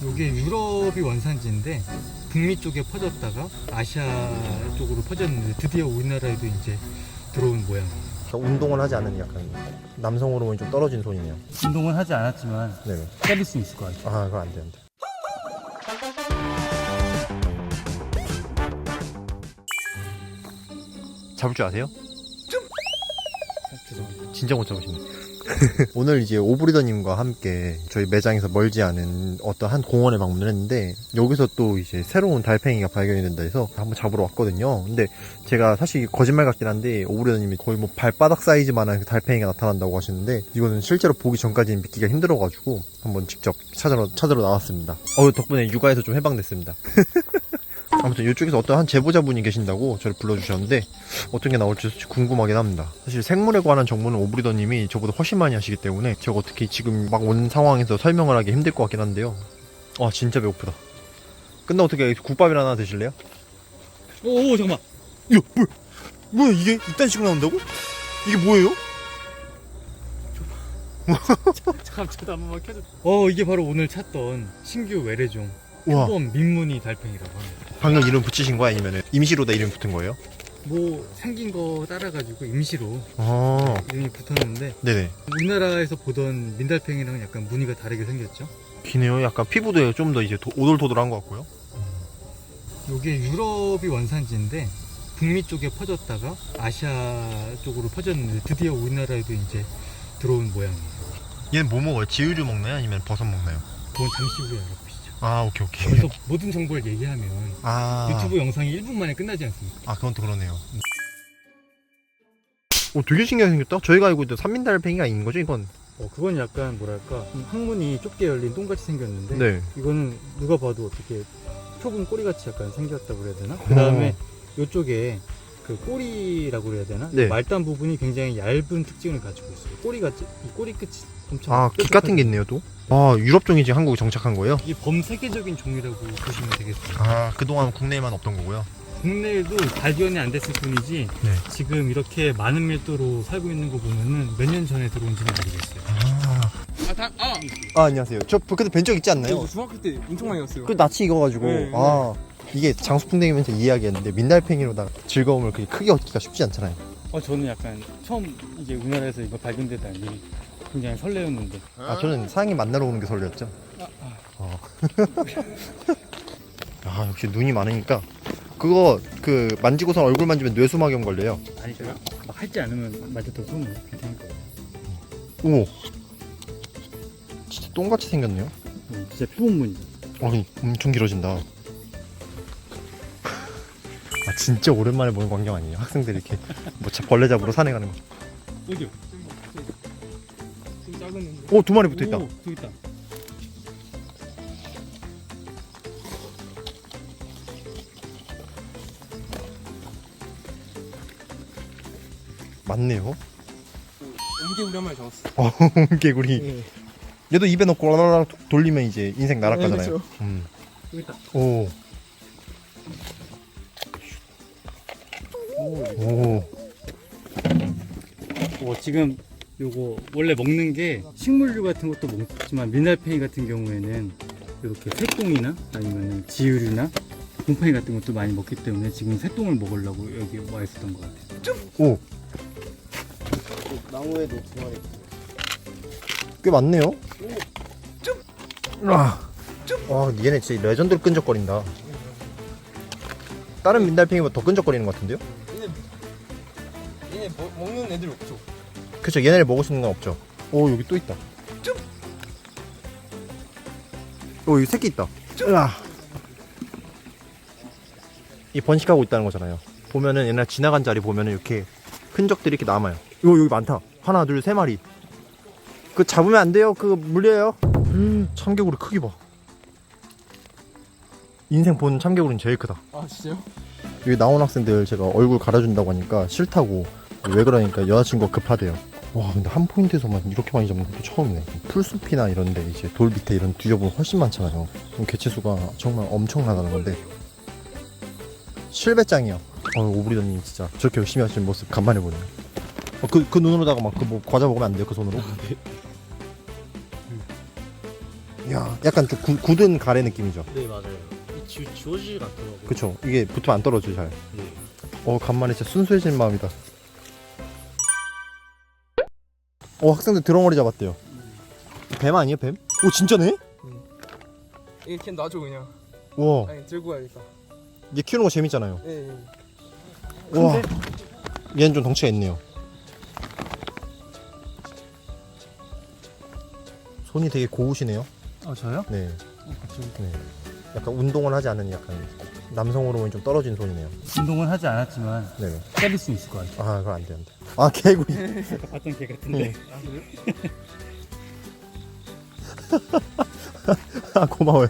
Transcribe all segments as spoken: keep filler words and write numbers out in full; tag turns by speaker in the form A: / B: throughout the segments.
A: 이게 유럽이 원산지인데 북미 쪽에 퍼졌다가 아시아 쪽으로 퍼졌는데 드디어 우리나라에도 이제 들어온 모양이에요.
B: 운동을 하지 않은 약간 남성 호르몬이 좀 떨어진 손이네요.
A: 운동은 하지 않았지만
B: 네네.
A: 때릴 수 있을 것 같아요.
B: 아, 그거 안 돼, 안 돼. 잡을 줄 아세요?
A: 죄송합니다.
B: 진짜 못 잡으시네. 오늘 이제 오브리더님과 함께 저희 매장에서 멀지 않은 어떤 한 공원에 방문을 했는데 여기서 또 이제 새로운 달팽이가 발견이 된다 해서 한번 잡으러 왔거든요. 근데 제가 사실 거짓말 같긴 한데 오브리더님이 거의 뭐 발바닥 사이즈만한 그 달팽이가 나타난다고 하시는데 이거는 실제로 보기 전까지는 믿기가 힘들어가지고 한번 직접 찾으러, 찾으러 나왔습니다. 어, 덕분에 육아에서 좀 해방됐습니다. 아무튼 이쪽에서 어떤 한 제보자분이 계신다고 저를 불러주셨는데 어떤 게 나올지 궁금하긴 합니다. 사실 생물에 관한 정보는 오브리더님이 저보다 훨씬 많이 하시기 때문에 제가 어떻게 지금 막 온 상황에서 설명을 하기 힘들 것 같긴 한데요. 와, 진짜 배고프다. 끝나고 어떻게 국밥이나 하나 드실래요?
A: 오, 오 잠깐만.
B: 야, 뭐야? 뭐야 이게? 이딴 식으로 나온다고? 이게 뭐예요?
A: 잠깐 저도 한 번만 켜줘. 어, 이게 바로 오늘 찾던 신규 외래종
B: 와,
A: 표범 민무늬 달팽이라고 합니다.
B: 방금 이름 붙이신 거야? 아니면 임시로 다 이름 붙은 거예요?
A: 뭐 생긴 거 따라가지고 임시로
B: 아,
A: 이름이 붙었는데
B: 네네.
A: 우리나라에서 보던 민달팽이랑은 약간 무늬가 다르게 생겼죠.
B: 기네요. 약간 피부도 좀 더 이제 도, 오돌토돌한 것 같고요.
A: 이게 유럽이 원산지인데 북미 쪽에 퍼졌다가 아시아 쪽으로 퍼졌는데 드디어 우리나라에도 이제 들어온 모양이에요.
B: 얘는 뭐 먹어요? 지우류 먹나요? 아니면 버섯 먹나요?
A: 그건 잠시 후에 알아보시죠.
B: 아, 오케이 오케이.
A: 그래서 모든 정보를 얘기하면
B: 아,
A: 유튜브 영상이 일 분 만에 끝나지 않습니까?
B: 아, 그건 또 그러네요. 오, 되게 신기하게 생겼다. 저희가 알고 있던 삼민달팽이가 있는 거죠, 이건?
A: 어, 그건 약간 뭐랄까 항문이 좁게 열린 똥같이 생겼는데
B: 네.
A: 이거는 누가 봐도 어떻게 표본 꼬리같이 약간 생겼다고 그래야 되나? 그 다음에 이쪽에 그 꼬리라고 그래야 되나?
B: 네.
A: 말단 부분이 굉장히 얇은 특징을 가지고 있어요. 꼬리가 이 꼬리 끝이 엄청
B: 아, 깃 같은 게 있네요, 또. 아, 유럽종이 지금 한국에 정착한 거예요?
A: 이게 범세계적인 종이라고 보시면 되겠습니다.
B: 아, 그동안 국내에만 없던 거고요.
A: 국내에도 발견이 안 됐을 뿐이지
B: 네.
A: 지금 이렇게 많은 밀도로 살고 있는 거 보면은 몇 년 전에 들어온지는 모르겠어요.
B: 아,
C: 아, 다, 아!
B: 아 안녕하세요. 저 그때 뵌 적 있지 않나요?
C: 저 중학교 때 엄청 많이 왔어요.
B: 그 낯이 익어가지고.
C: 네, 네.
B: 아, 이게 장수풍뎅이면서 이야기했는데 민달팽이로다가 즐거움을 그렇게 크게 얻기가 쉽지 않잖아요.
A: 어, 저는 약간 처음 이제 우리나라에서 이거 발견되다니 굉장히 설레었는데.
B: 아, 저는 사장님 만나러 오는 게 설레었죠.
A: 아, 아.
B: 어. 아, 역시 눈이 많으니까 그거 그 만지고선 얼굴 만지면 뇌수막염 걸려요.
A: 아니죠. 막 할지 않으면 맞아도 손은 괜찮을 거예요.
B: 오, 진짜 똥같이 생겼네요.
A: 음, 진짜 표본무늬.
B: 어, 엄청 길어진다. 아, 진짜 오랜만에 보는 광경 아니에요? 학생들이 이렇게 뭐 자- 벌레 잡으러 산에 가는 거.
A: 어디요?
C: 좀 작은 애인데.
B: 오, 두 마리 붙어 있다.
A: 오, 저기 있다.
B: 맞네요.
C: 옮개 우리 한 마리 잡았어.
B: 어, 개구리.
C: 네.
B: 얘도 입에 넣고 라라라 돌리면 이제 인생 날아가잖아요.
C: 네, 그렇죠.
B: 음.
A: 저기 있다.
B: 오. 오.
A: 어, 지금 요거 원래 먹는 게 식물류 같은 것도 먹지만 민달팽이 같은 경우에는 이렇게 새똥이나 아니면 지유류나 곰팡이 같은 것도 많이 먹기 때문에 지금 새똥을 먹으려고 여기 와 있었던 것 같아요.
B: 오.
C: 나무에도 두 마리.
B: 꽤 많네요. 아. 와, 얘네 진짜 레전드로 끈적거린다. 다른 민달팽이보다 더 끈적거리는 것 같은데요?
C: 얘네, 얘네 뭐, 먹는 애들 없죠?
B: 그쵸, 얘네를 먹을 수 있는 건 없죠. 오, 여기 또 있다. 오, 여기 새끼 있다. 으아. 이 번식하고 있다는 거잖아요. 보면은 옛날 지나간 자리 보면은 이렇게 흔적들이 이렇게 남아요. 요, 여기 많다. 하나, 둘, 세 마리. 그 잡으면 안 돼요. 그거 물려요. 음, 참개구리 크기 봐. 인생 본 참개구리는 제일 크다.
C: 아, 진짜요?
B: 여기 나온 학생들 제가 얼굴 갈아준다고 하니까 싫다고. 왜 그러니까 여자친구가 급하대요. 와, 근데 한 포인트에서만 이렇게 많이 잡는 것도 처음이네. 풀숲이나 이런데 이제 돌 밑에 이런 뒤져보면 훨씬 많잖아요. 그럼 개체수가 정말 엄청나다는 건데. 실배짱이요. 어, 오브리더님 진짜 저렇게 열심히 하시는 모습 간만에 보네요. 어, 그, 그 눈으로다가 막 그 뭐 과자 먹으면 안 돼요, 그 손으로? 야, 약간 좀 구, 굳은 가래 느낌이죠.
C: 네 맞아요. 이 지, 지워지질 않더라고요.
B: 그쵸. 이게 붙으면 안 떨어져요, 잘.
C: 네.
B: 어, 간만에 진짜 순수해진 마음이다. 어, 학생들 드렁어리 잡았대요. 뱀 아니에요, 뱀? 오, 진짜네?
C: 이렇게 놔줘 그냥.
B: 와,
C: 아니 들고 가야겠다.
B: 얘 키우는 거 재밌잖아요.
C: 네. 네.
B: 와, 얘는 좀 덩치가 있네요. 손이 되게 고우시네요.
A: 아 저요?
B: 네. 네. 약간 운동을 하지 않은 약간 남성 호르몬이 좀 떨어진 손이네요.
A: 운동은 하지 않았지만
B: 네.
A: 때릴 수 있을 것 같아요.
B: 아, 그건 안 돼, 안 돼. 아, 개구리.
A: 봤던 개 같은데.
C: 아 그래요?
B: 아, 고마워요.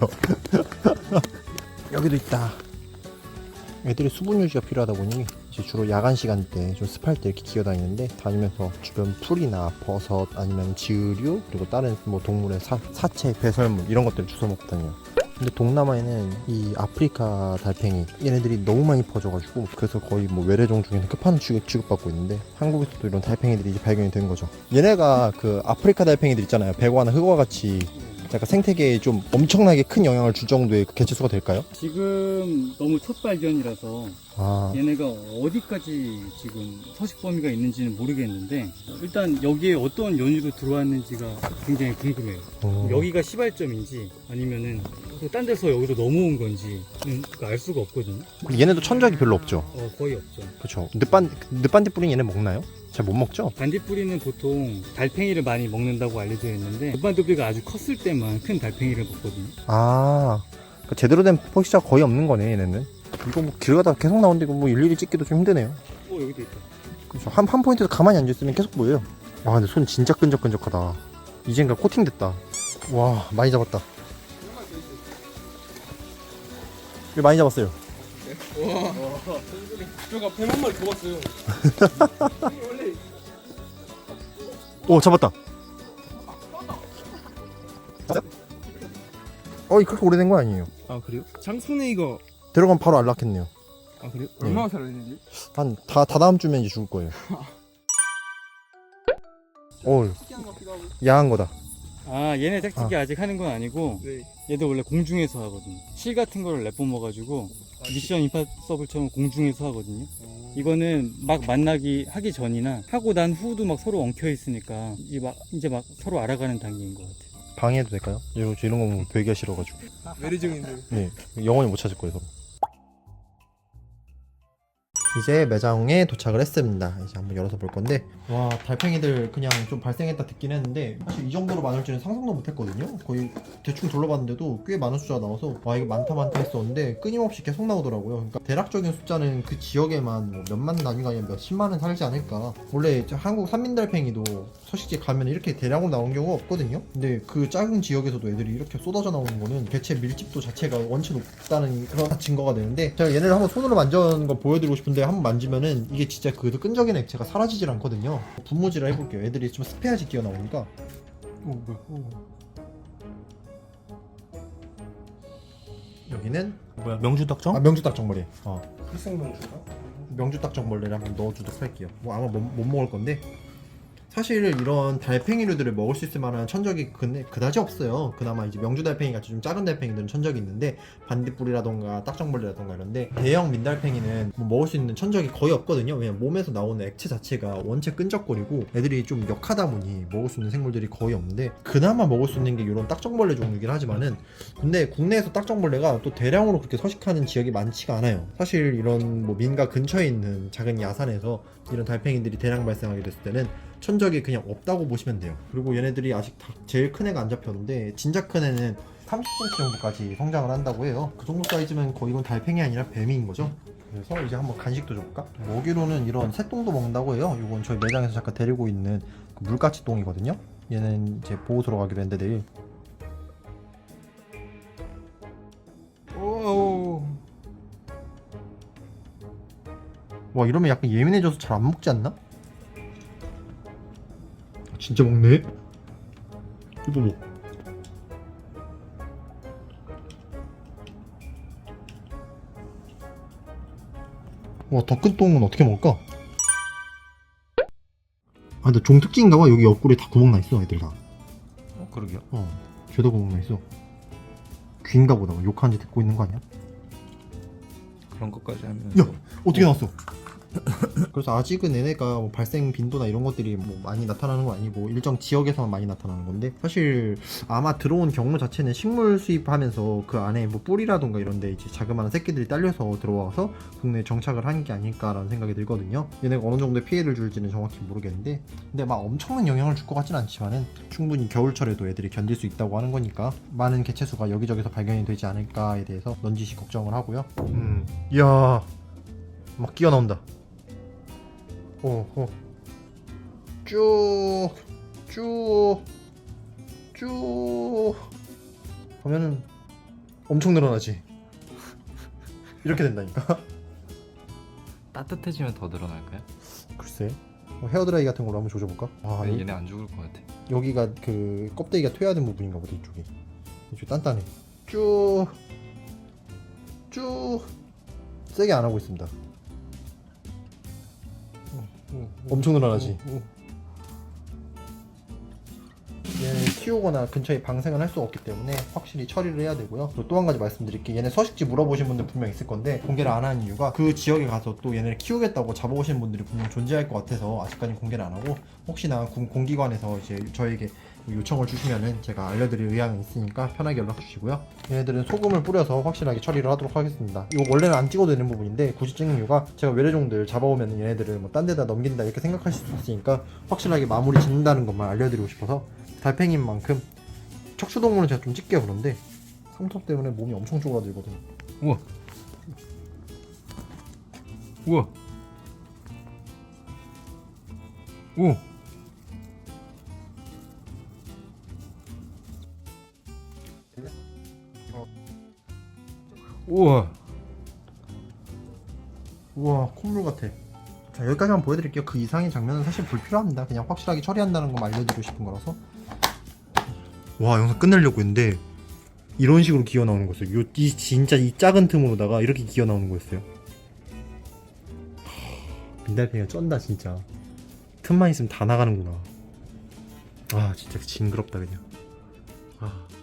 B: 여기도 있다. 애들이 수분 유지가 필요하다 보니 이제 주로 야간 시간대 좀 습할 때 이렇게 기어다니는데 다니면서 주변 풀이나 버섯 아니면 지으류 그리고 다른 뭐 동물의 사, 사체, 배설물 이런 것들을 주워 먹고 다녀요. 근데 동남아에는 이 아프리카 달팽이 얘네들이 너무 많이 퍼져가지고 그래서 거의 뭐 외래종 중에는 끝판왕 취급, 취급받고 있는데 한국에서도 이런 달팽이들이 이제 발견이 된 거죠. 얘네가 그 아프리카 달팽이들 있잖아요. 백화나 흑화 같이 약간 생태계에 좀 엄청나게 큰 영향을 줄 정도의 그 개체수가 될까요?
A: 지금 너무 첫 발견이라서
B: 아,
A: 얘네가 어디까지 지금 서식 범위가 있는지는 모르겠는데 일단 여기에 어떤 연유로 들어왔는지가 굉장히 궁금해요.
B: 어.
A: 여기가 시발점인지 아니면은 또 딴 데서 여기로 넘어온 건지는 알 수가 없거든요.
B: 그리고 얘네도 천적이 별로 없죠.
A: 어, 거의 없죠.
B: 그렇죠. 늪반 늪반디 뿌린 얘네 먹나요? 잘 못 먹죠?
A: 반딧불이는 보통 달팽이를 많이 먹는다고 알려져 있는데 무반딧불이가 아주 컸을 때만 큰 달팽이를 먹거든요.
B: 아, 그러니까 제대로 된 포식자가 거의 없는 거네 얘네는. 이거 뭐 길 가다가 계속 나오는데 이거 뭐 일일이 찍기도 좀 힘드네요.
A: 어 여기도 있다.
B: 그렇죠. 한, 한 포인트에서 가만히 앉아있으면 계속 보여요. 와, 근데 손 진짜 끈적끈적하다. 이젠가 코팅됐다. 와, 많이 잡았다. 이거 많이 잡았어요.
C: 와. 저가 뱀 한 마리 더 봤어요. 원래
B: 오, 잡았다. 어, 이 그렇게 오래된 거 아니에요.
C: 아 그래요? 장순애이가
B: 들어가면 바로 안락했네요.
C: 아 그래요?
B: 네.
C: 얼마나 살아있는지?
B: 한 다 다 다음 주면 이제 죽을 거예요. 오,
C: 특이한 것 같기도 하고.
B: 야한 거다.
A: 아 얘네 짝짓기 아. 직 하는 건 아니고
C: 네.
A: 얘들 원래 공중에서 하거든요. 실 같은 거를 내뿜어가지고 미션 임파서블처럼 공중에서 하거든요. 이거는 막 만나기 하기 전이나 하고 난 후도 막 서로 엉켜 있으니까 이제 막 이제 막 서로 알아가는 단계인 것 같아요.
B: 방해해도 될까요? 이런, 이런 거 보면 되기가 싫어가지고.
C: 외래종인데.
B: 네, 영원히 못 찾을 거예요, 서로. 이제 매장에 도착을 했습니다. 이제 한번 열어서 볼 건데, 와, 달팽이들 그냥 좀 발생했다 듣긴 했는데 사실 이 정도로 많을 줄은 상상도 못했거든요. 거의 대충 둘러봤는데도 꽤 많은 숫자가 나와서 와, 이거 많다 많다 했었는데 끊임없이 계속 나오더라고요. 그러니까 대략적인 숫자는 그 지역에만 뭐 몇만 단위가 아니라 몇십만은 살지 않을까. 원래 한국 산민달팽이도 서식지 가면 이렇게 대량으로 나오는 경우가 없거든요. 근데 그 작은 지역에서도 애들이 이렇게 쏟아져 나오는 거는 개체 밀집도 자체가 원체 높다는 그런 증거가 되는데, 제가 얘네를 한번 손으로 만져는 거 보여드리고 싶은데 한번 만지면은 이게 진짜 그 끈적이는 액체가 사라지질 않거든요. 분무질을 해볼게요. 애들이 좀 습해야지 기어 나오니까. 오, 뭐야? 오. 여기는
A: 뭐야 명주닭정?
B: 아, 명주딱정벌이. 어.
C: 필생명주가?
B: 명주딱정벌레를 한번 넣어주도록 할게요. 뭐 아마 못, 못 먹을 건데, 사실 이런 달팽이류들을 먹을 수 있을 만한 천적이 그, 그다지 없어요. 그나마 이제 명주달팽이 같이 좀 작은 달팽이들은 천적이 있는데, 반딧불이라던가 딱정벌레라던가 이런데 대형 민달팽이는 뭐 먹을 수 있는 천적이 거의 없거든요. 왜냐면 몸에서 나오는 액체 자체가 원체 끈적거리고 애들이 좀 역하다 보니 먹을 수 있는 생물들이 거의 없는데, 그나마 먹을 수 있는 게 이런 딱정벌레 종류긴 하지만은, 근데 국내에서 딱정벌레가 또 대량으로 그렇게 서식하는 지역이 많지가 않아요. 사실 이런 뭐 민가 근처에 있는 작은 야산에서 이런 달팽이들이 대량 발생하게 됐을 때는 천적이 그냥 없다고 보시면 돼요. 그리고 얘네들이 아직 다 제일 큰 애가 안 잡혔는데, 진짜 큰 애는 삼십 센티미터 정도까지 성장을 한다고 해요. 그 정도 사이즈면 거의 이건 달팽이 아니라 뱀인 거죠. 그래서 이제 한번 간식도 줘볼까? 먹이로는 이런 새똥도 먹는다고 해요. 이건 저희 매장에서 잠깐 데리고 있는 그 물가치 똥이거든요. 얘는 이제 보호소로 가기로 했는데 내일.
C: 오.
B: 와, 이러면 약간 예민해져서 잘 안 먹지 않나? 진짜 먹네? 이거 뭐? 와, 더 큰 똥은 어떻게 먹을까? 아, 근데 종 특징인가 봐. 여기 옆구리에 다 구멍 나 있어, 애들 다.
A: 어 그러게요.
B: 어. 죄다 구멍 나 있어. 귀인가 보다. 욕하는지 듣고 있는 거 아니야?
C: 그런 것까지 하면.
B: 야! 어떻게 나왔어? 그래서 아직은 얘네가 뭐 발생 빈도나 이런 것들이 뭐 많이 나타나는 건 아니고 일정 지역에서만 많이 나타나는 건데, 사실 아마 들어온 경로 자체는 식물 수입하면서 그 안에 뭐 뿌리라던가 이런 데 이제 자그마한 새끼들이 딸려서 들어와서 국내에 정착을 한 게 아닐까라는 생각이 들거든요. 얘네가 어느 정도의 피해를 줄지는 정확히 모르겠는데, 근데 막 엄청난 영향을 줄 것 같진 않지만은 충분히 겨울철에도 애들이 견딜 수 있다고 하는 거니까 많은 개체수가 여기저기서 발견이 되지 않을까에 대해서 넌지시 걱정을 하고요. 음, 이야, 막 끼어 나온다. 어, 어. 쭉, 쭉, 쭉 하면은 엄청 늘어나지. 이렇게 된다니까.
C: 따뜻해지면 더 늘어날까요?
B: 글쎄, 뭐 헤어드라이 같은 걸로 한번 조져볼까? 아,
C: 아니,
B: 여,
C: 얘네 안 죽을 것 같아.
B: 여기가 그 껍데기가 퇴화된 부분인가 보다. 이쪽이 이쪽 단단해. 쭉, 쭉 세게 안 하고 있습니다. 엄청 늘어나지. 얘는 키우거나 근처에 방생을 할 수 없기 때문에 확실히 처리를 해야 되고요. 그리고 또 한 가지 말씀드릴게요. 얘네 서식지 물어보신 분들 분명 있을 건데 공개를 안 하는 이유가 그 지역에 가서 또 얘네를 키우겠다고 잡아오시는 분들이 분명 존재할 것 같아서 아직까지 공개를 안 하고, 혹시나 공, 공기관에서 이제 저에게 요청을 주시면은 제가 알려드릴 의향이 있으니까 편하게 연락 주시고요. 얘네들은 소금을 뿌려서 확실하게 처리를 하도록 하겠습니다. 이거 원래는 안 찍어도 되는 부분인데 굳이 찍는 이유가, 제가 외래종들 잡아오면 얘네들을 뭐 딴 데다 넘긴다 이렇게 생각하실 수 있으니까 확실하게 마무리 짓는다는 것만 알려드리고 싶어서. 달팽이인 만큼 척추동물은 제가 좀 찍게요. 그런데 삼톱 때문에 몸이 엄청 쪼그라들거든요.
C: 우와. 우와. 오. 우와.
B: 우와, 콧물 같아. 자, 여기까지만 보여드릴게요. 그 이상의 장면은 사실 불필요합니다. 그냥 확실하게 처리한다는 것만 알려드리고 싶은 거라서. 와, 영상 끝내려고 했는데 이런 식으로 기어 나오는 거였어요. 요, 이 진짜 이 작은 틈으로다가 이렇게 기어 나오는 거였어요. 민달팽이가 쩐다 진짜. 틈만 있으면 다 나가는구나. 아, 진짜 징그럽다 그냥. 아.